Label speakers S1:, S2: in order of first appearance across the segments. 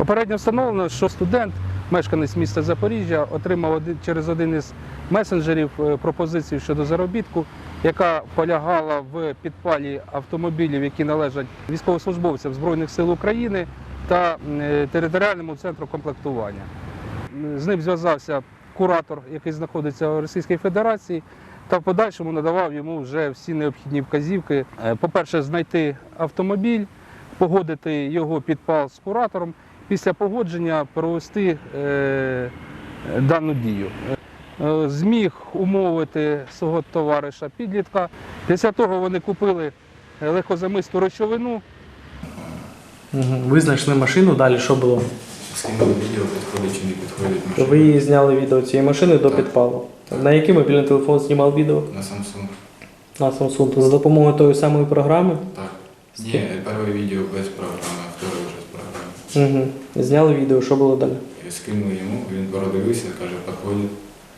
S1: Попередньо встановлено, що студент, мешканець міста Запоріжжя, отримав через один із месенджерів пропозицію щодо заробітку, яка полягала в підпалі автомобілів, які належать військовослужбовцям Збройних сил України та територіальному центру комплектування. З ним зв'язався куратор, який знаходиться в Російській Федерації, та в подальшому надавав йому вже всі необхідні вказівки. По-перше, знайти автомобіль, погодити його підпал з куратором, після погодження провести дану дію. Зміг умовити свого товариша підлітка. Після того вони купили легкозамисту речовину.
S2: Ви знайшли машину, далі що було?
S3: Скинули відео, підходить чи не підходить машина.
S2: Ви її зняли відео цієї машини до підпалу. На який мобільний телефон знімав відео?
S3: На Samsung.
S2: На Samsung. За допомогою тої самої програми?
S3: Так. Ні, перше відео без програми, а друге вже з програми.
S2: Зняли відео, що було далі?
S3: Я скинув йому, він продивився, каже, підходить.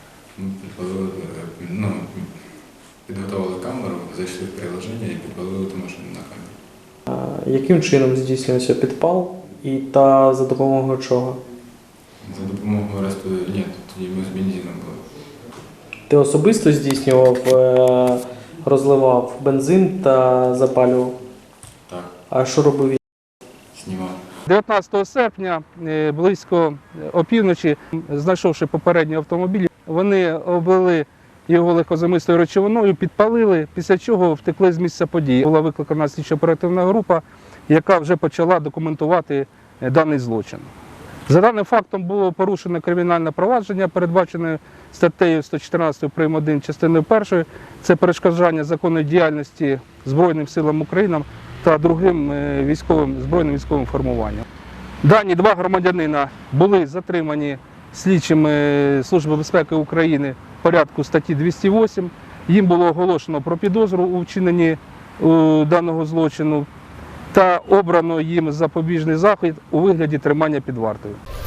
S3: Підготували камеру, зайшли в приложення і підпалили ту машину на камеру.
S2: Яким чином здійснювався підпал та за допомогою чого?
S3: За допомогою ресту, ні, тоді ми з бензином були.
S2: Ти особисто здійснював, розливав бензин та запалював?
S3: Так.
S2: А що робив він?
S3: Знімав.
S1: 19 серпня, близько опівночі, знайшовши попередній автомобіль, вони облили його легкозамистою речовиною, підпалили, після чого втекли з місця події. Була викликана слідчо-оперативна група, яка вже почала документувати даний злочин. За даним фактом було порушено кримінальне провадження, передбачене статтею 114 прим. 1 частиною 1. Це перешкоджання законної діяльності Збройним силам України та другим збройним військовим формуванням. Дані два громадянина були затримані слідчими Служби безпеки України в порядку статті 208. Їм було оголошено про підозру у вчиненні даного злочину та обрано їм запобіжний захід у вигляді тримання під вартою.